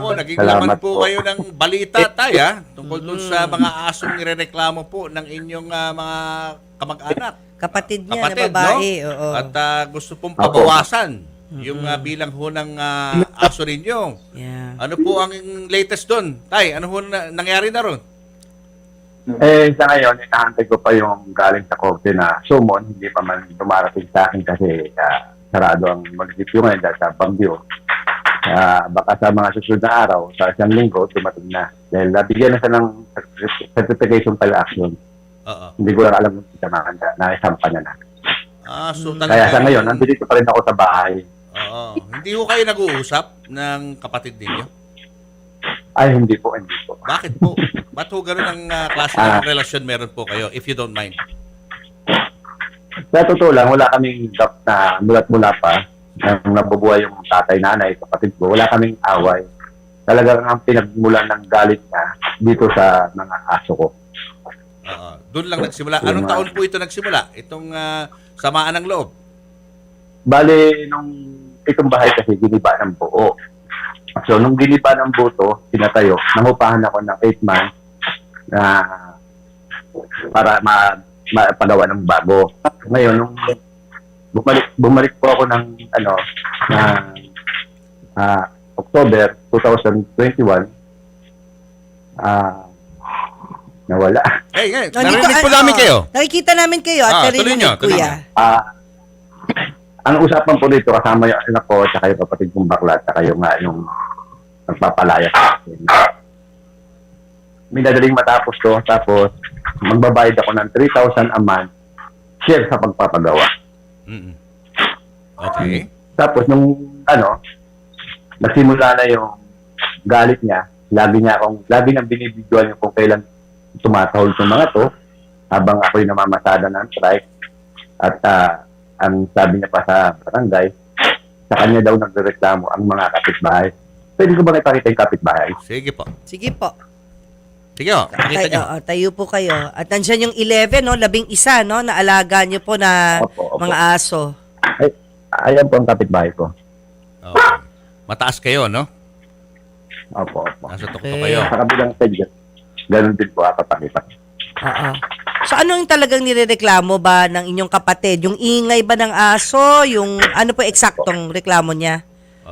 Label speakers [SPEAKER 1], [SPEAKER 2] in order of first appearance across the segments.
[SPEAKER 1] Po, naging laman
[SPEAKER 2] Salamat
[SPEAKER 1] po
[SPEAKER 2] po.
[SPEAKER 1] kayo ng balita tayo tungkol dun sa mga asong nirereklamo po ng inyong mga kamag-anak.
[SPEAKER 3] Kapatid niya
[SPEAKER 1] Kapatid,
[SPEAKER 3] na babae.
[SPEAKER 1] no?
[SPEAKER 3] Oo.
[SPEAKER 1] At gusto pong pabawasan yung bilang ho ng aso ninyo.
[SPEAKER 3] Yeah.
[SPEAKER 1] Ano po ang latest doon? Tay, ano ho nangyari na ron?
[SPEAKER 2] Sa ngayon, inahantay ko pa yung galing sa korte na summon. Hindi pa man dumarating sa akin kasi sarado ang munisipyo ngayon dahil sa bagyo. Baka sa mga susunod na araw, sa isang linggo, dumating na. Dahil nabigyan na siya ng certification pala action.
[SPEAKER 1] Oo.
[SPEAKER 2] Hindi ko lang alam kung naisampa niya na.
[SPEAKER 1] So
[SPEAKER 2] Kaya sa ngayon, nandito pa rin ako sa bahay.
[SPEAKER 1] Oo. Hindi ho kayo nag-uusap ng kapatid ninyo?
[SPEAKER 2] Ay, hindi po, hindi po.
[SPEAKER 1] Bakit po? Ba't ho ganun ang klase ng relasyon meron po kayo, if you don't mind?
[SPEAKER 2] Sa totoo lang, wala kaming gap na mulat mula pa nang nabubuhay yung tatay, nanay, kapatid ko. Wala kaming away. Talagang ang pinagmulan ng galit niya dito sa mga aso ko.
[SPEAKER 1] Doon lang nagsimula. Anong taon po ito nagsimula? Itong samaan ng loob?
[SPEAKER 2] Bale, nung itong bahay kasi giniba ng buo. So, nung giniba ng buto, pinatayo, nangupahan ako ng 8 months na para mapagawa ng bago. Ngayon, nung bumalik po ako ng October 2021, nawala.
[SPEAKER 1] Narinig po namin kayo.
[SPEAKER 3] Nakikita namin kayo at
[SPEAKER 1] tuloy nyo, tuloy
[SPEAKER 3] kuya.
[SPEAKER 2] Ang usapan po dito, kasama yung anak ko, tsaka yung kapatid kong bakla, tsaka yung nagpapalaya sa akin. Minadaling matapos to, tapos magbabayad ako ng 3,000 a month, share sa pagpapagawa.
[SPEAKER 1] Okay.
[SPEAKER 2] Tapos nung nagsimula na yung galit niya, lagi nang binibidyoan yung kung kailan tumatahol yung mga to, habang ako'y namamasada ng strike. At ang sabi niya pa sa barangay, sa kanya daw nagrereklamo ang mga kapitbahay. Pwede ko ba ipakita yung kapitbahay?
[SPEAKER 1] Sige po.
[SPEAKER 3] Sige po.
[SPEAKER 1] Sige po, pakita nyo.
[SPEAKER 3] Tayo po kayo. At nandiyan yung 11, no? 11, no? Na alaga nyo po na
[SPEAKER 2] Opo.
[SPEAKER 3] mga aso.
[SPEAKER 2] Ayan po ang kapitbahay ko.
[SPEAKER 1] Okay. Mataas kayo, no?
[SPEAKER 2] Opo.
[SPEAKER 1] Nasa tuktok kayo.
[SPEAKER 2] Sa kabilang side, ganun din po ako pakita.
[SPEAKER 3] Oo. So ano yung talagang nirereklamo ba ng inyong kapatid? Yung ingay ba ng aso? Yung ano po eksaktong reklamo niya?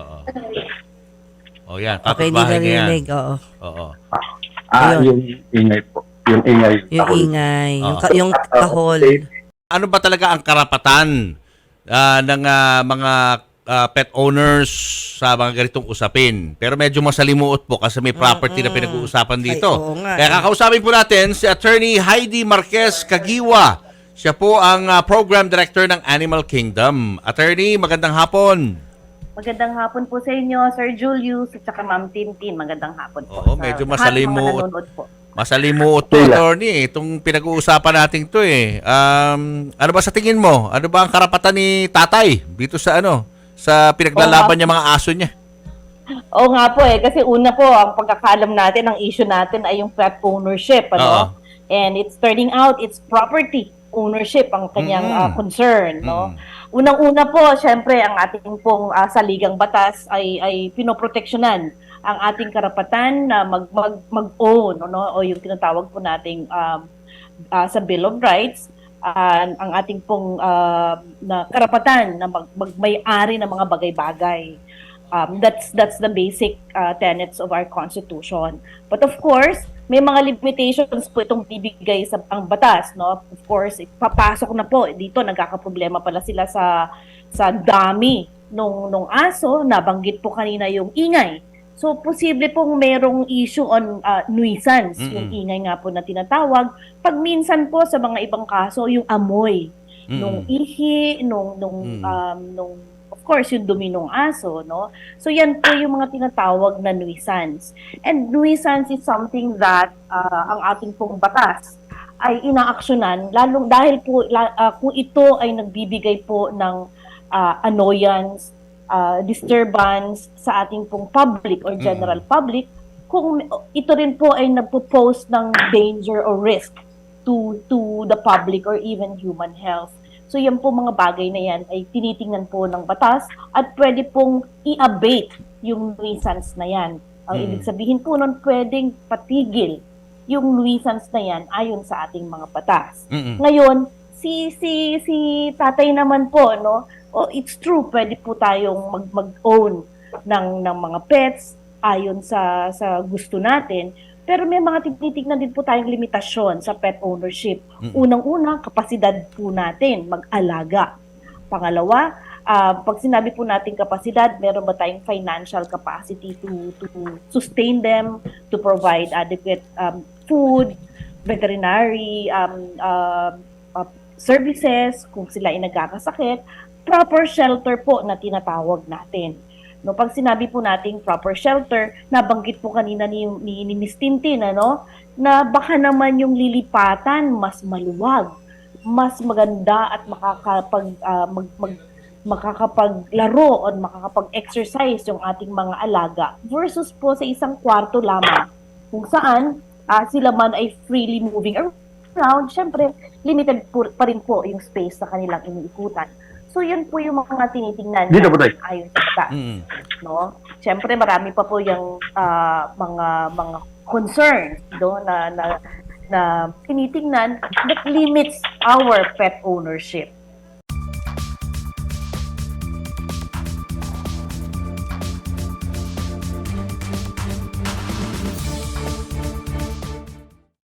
[SPEAKER 1] O yan,
[SPEAKER 3] Okay, hindi
[SPEAKER 1] kapitbahay niya yan.
[SPEAKER 3] narinig. Oo.
[SPEAKER 1] Oo.
[SPEAKER 3] Ayun.
[SPEAKER 2] Yung ingay po. Yung ingay.
[SPEAKER 3] Yung
[SPEAKER 2] tahol.
[SPEAKER 3] ingay.
[SPEAKER 1] Oo.
[SPEAKER 3] Yung kahol.
[SPEAKER 1] Ano ba talaga ang karapatan ng mga pet owners sa mga ganitong usapin? Pero medyo masalimuot po kasi may property na pinag-uusapan dito.
[SPEAKER 3] Ay, oo nga,
[SPEAKER 1] Kaya kakausapin po natin si Attorney Heidi Marquez Kagiwa. Siya po ang Program Director ng Animal Kingdom. Attorney, magandang hapon.
[SPEAKER 4] Magandang hapon po sa inyo, Sir Julius, at saka Ma'am Tintin. Magandang hapon po.
[SPEAKER 1] Oo,
[SPEAKER 4] sa
[SPEAKER 1] medyo
[SPEAKER 4] lahat ng mga
[SPEAKER 1] masalimuot.
[SPEAKER 4] nanonood po.
[SPEAKER 1] Masalimuot to, Attorney. Itong pinag-uusapan natin to eh. Ano ba sa tingin mo? Ano ba ang karapatan ni tatay dito sa sa pinaglalaban niya mga aso niya?
[SPEAKER 4] Oo nga po kasi una po, ang pagkakalam natin, ang issue natin ay yung pet ownership.
[SPEAKER 1] Oo.
[SPEAKER 4] And it's turning out, it's property ownership ang kanyang concern. No? Unang-una po, syempre, ang ating pong saligang batas ay pinoproteksyonan ang ating karapatan na mag-own o yung tinatawag po nating sa Bill of Rights, ang ating pong na karapatan na magmay-ari ng mga bagay-bagay. That's the basic tenets of our Constitution. But of course, may mga limitations po itong bibigay sa ang batas, no? Of course, papasok na po dito, nagkakaproblema pala sila sa dami nung aso, nabanggit po kanina yung ingay. So, posible pong merong issue on nuisance, yung ingay nga po na tinatawag. Pag minsan po sa mga ibang kaso, yung amoy nung ihi, nung of course, yung dumi ng aso, no? So, yan po yung mga tinatawag na nuisance. And nuisance is something that ang ating pong batas ay inaaksyonan, lalong dahil po kung ito ay nagbibigay po ng annoyance, disturbance sa ating pong public or general public, kung ito rin po ay nagpo-pose ng danger or risk to the public or even human health. So yan po mga bagay na yan ay tinitingnan po ng batas at pwede pong i-abate yung nuisance na yan. Ang ibig sabihin po nun, pwedeng patigil yung nuisance na yan ayon sa ating mga batas. Ngayon, si tatay naman po, no? It's true, pwede po tayong mag-own ng mga pets ayon sa gusto natin. Pero may mga tinitignan din po tayong limitasyon sa pet ownership. Unang-una, kapasidad po natin mag-alaga. Pangalawa, pag sinabi po natin kapasidad, meron ba tayong financial capacity to sustain them, to provide adequate food, veterinary services, kung sila ay nagkakasakit, proper shelter po na tinatawag natin. No, pag sinabi po nating proper shelter, nabanggit po kanina ni Miss Tintin, na baka naman yung lilipatan mas maluwag, mas maganda at makakapaglaro o makakapag-exercise yung ating mga alaga versus po sa isang kwarto lamang kung saan sila man ay freely moving around. Syempre, limited pa rin po yung space na kanilang iniikutan. So, yun po yung mga tinitingnan
[SPEAKER 2] Dito po tayo.
[SPEAKER 4] ayon sa batas. No? Siyempre, marami pa po yung mga concerns na tinitingnan that limits our pet ownership.